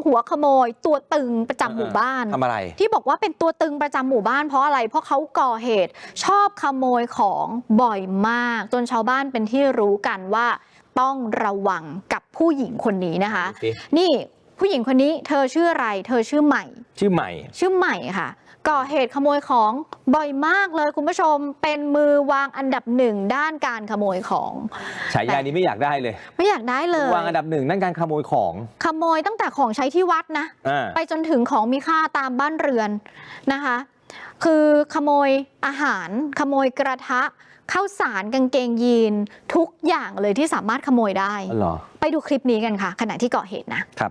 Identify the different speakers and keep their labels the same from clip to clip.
Speaker 1: หัวขโมยตัวตึงประจำหมู่บ้าน
Speaker 2: ทำอะไร
Speaker 1: ที่บอกว่าเป็นตัวตึงประจำหมู่บ้านเพราะอะไรเพราะเขาก่อเหตุชอบขโมยของบ่อยมากจนชาวบ้านเป็นที่รู้กันว่าต้องระวังกับผู้หญิงคนนี้นะคะนี่ผู้หญิงคนนี้เธอชื่ออะไรเธอชื่อใหม่
Speaker 2: ชื่อใหม่
Speaker 1: ค่ะก่อเหตุขโมยของบ่อยมากเลยคุณผู้ชมเป็นมือวางอันดับหนึ่งด้านการขโมยของ
Speaker 2: ฉายานี้ไม่อยากได้เลยวางอันดับหนึ่งด้านการขโมยของ
Speaker 1: ขโมยตั้งแต่ของใช้ที่วัดนะไปจนถึงของมีค่าตามบ้านเรือนนะคะคือขโมยอาหารขโมยกระทะข้าวสารกางเกงยีนทุกอย่างเลยที่สามารถขโมยได้ไปดูคลิปนี้กันค่ะขณะที่ก่อเหตุนะครับ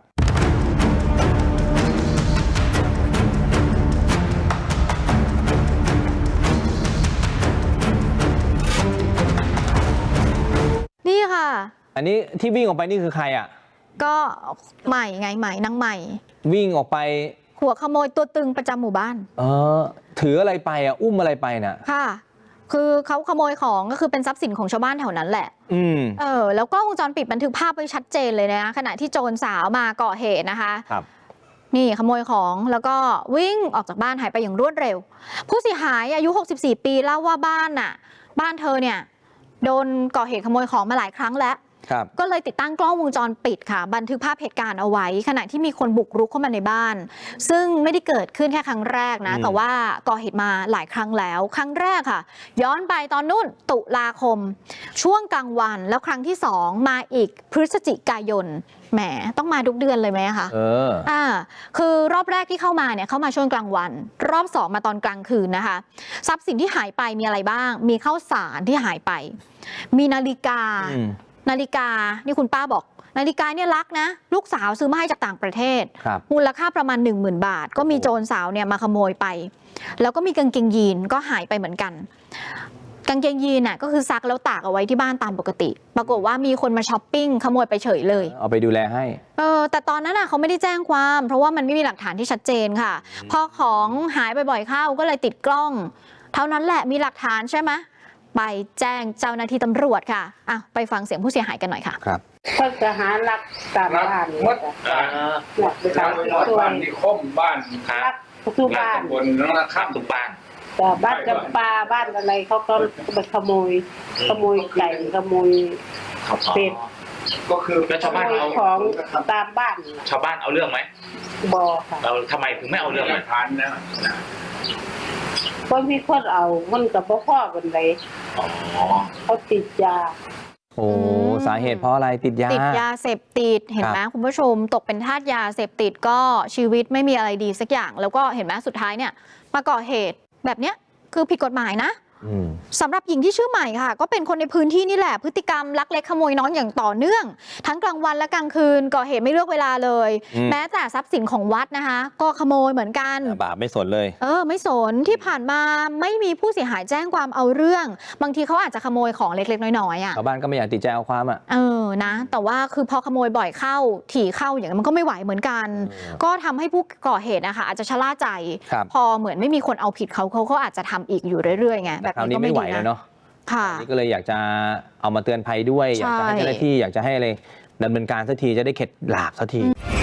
Speaker 1: นี่ค่ะ
Speaker 2: อันนี้ที่วิ่งออกไปนี่คือใครอ่ะ
Speaker 1: ก็ใหม่ไงใหม่นางใหม่
Speaker 2: วิ่งออกไป
Speaker 1: หัวขโมยตัวตึงประจำหมู่บ้าน
Speaker 2: ถืออะไรไปอ่ะอุ้มอะไรไปน่ะ
Speaker 1: ค่ะคือเขาขโมยของก็คือเป็นทรัพย์สินของชาวบ้านแถวนั้นแหละแล้วก็วงจรปิดบันทึกภาพไว้ชัดเจนเลยนะขณะที่โจรสาวมาก่อเหตุนะคะ
Speaker 2: ครับ
Speaker 1: นี่ขโมยของแล้วก็วิ่งออกจากบ้านหายไปอย่างรวดเร็วผู้เสียหายอายุ64ปีเล่าว่าบ้านเธอเนี่ยโดนก่อเหตุขโมยของมาหลายครั้งแล้วก็เลยติดตั้งกล้องวงจรปิดค่ะบันทึกภาพเหตุการณ์เอาไว้ขณะที่มีคนบุกรุกเข้ามาในบ้านซึ่งไม่ได้เกิดขึ้นแค่ครั้งแรกนะแต่ว่าก่อเหตุมาหลายครั้งแล้วครั้งแรกค่ะย้อนไปตอนนู่นตุลาคมช่วงกลางวันแล้วครั้งที่2มาอีกพฤศจิกายนแหมต้องมาทุกเดือนเลยไหมคะคือรอบแรกที่เข้ามาเนี่ยเข้ามาช่วงกลางวันรอบ2มาตอนกลางคืนนะคะทรัพย์สินที่หายไปมีอะไรบ้างมีข้าวสารที่หายไปมีนาฬิกานี่คุณป้าบอกนาฬิกาเนี่ยรักนะลูกสาวซื้อมาให้จากต่างประเทศมูลค่าประมาณ 10,000 บาทก็มีโจรสาวเนี่ยมาขโมยไปแล้วก็มีกางเกงยีนก็หายไปเหมือนกันกางเกงยีนน่ะก็คือซักแล้วตากเอาไว้ที่บ้านตามปกติปรากฏว่ามีคนมาช้อปปิ้งขโมยไปเฉยเลย
Speaker 2: เอาไปดูแลให้
Speaker 1: แต่ตอนนั้นน่ะเขาไม่ได้แจ้งความเพราะว่ามันไม่มีหลักฐานที่ชัดเจนค่ะพอของหายบ่อยๆเข้าก็เลยติดกล้องเท่านั้นแหละมีหลักฐานใช่ไหมไปแจ้งเจ้าหน้าที่ตำรวจค่ะไปฟังเสียงผู้เสียหายกันหน่อยค่ะ
Speaker 2: ครับ
Speaker 3: เพิ่งจะหาหลักตามบ้าน
Speaker 4: หมดบ้านที่คมบ้าน
Speaker 3: รักทุกบ้าน
Speaker 4: บนแล้วข้ามทุกบ้าน
Speaker 3: แต่บ้านจำปาบ้านอะไรเขาก็ไปขโมยไก่ขโมยเป็ด
Speaker 4: ก็คือ
Speaker 3: ชาวบ้านเอาของตามบ้าน
Speaker 4: ชาวบ้านเอาเรื่องไหม
Speaker 3: บอค่ะ
Speaker 4: เราทำไมถึงไม่เอาเรื่อง
Speaker 3: ทันนะคนมีคนเอามันกับพ่อกันเลยเขาติดยา
Speaker 2: สาเหตุเพราะอะไรติดย
Speaker 1: าเสพติดเห็นไหมคุณผู้ชมตกเป็นทาสยาเสพติดก็ชีวิตไม่มีอะไรดีสักอย่างแล้วก็เห็นไหมสุดท้ายเนี่ยมาก่อเหตุแบบเนี้ยคือผิดกฎหมายนะสำหรับหญิงที่ชื่อใหม่ค่ะก็เป็นคนในพื้นที่นี่แหละพฤติกรรมลักเล็กขโมยน้อยอย่างต่อเนื่องทั้งกลางวันและกลางคืนก่อเหตุไม่เลือกเวลาเลยแม้แต่ทรัพย์สินของวัดนะคะก็ขโมยเหมือนกัน
Speaker 2: บาปไม่สนเลย
Speaker 1: ไม่สนที่ผ่านมาไม่มีผู้เสียหายแจ้งความเอาเรื่องบางทีเขาอาจจะขโมยของเล็กๆน้อยๆ
Speaker 2: ชาวบ้านก็ไม่อยากติดใจเอาความ
Speaker 1: นะแต่ว่าคือพอขโมยบ่อยเข้าถี่เข้าอย่างนั้นมันก็ไม่ไหวเหมือนกันก็ทำให้ผู้ก่อเหตุนะคะอาจจะชะล่าใจพอเหมือนไม่มีคนเอาผิดเขาอาจจะทำอีกอยู่เรื่อยๆไง
Speaker 2: แบบนี้ก็ไม่ไหวแล้วเนาะนี่ก็เลยอยากจะเอามาเตือนภัยด้วยอยากจะให้เจ้าหน้าที่อยากจะให้อะไรดำเนินการสักทีจะได้เข็ดหลาบสักที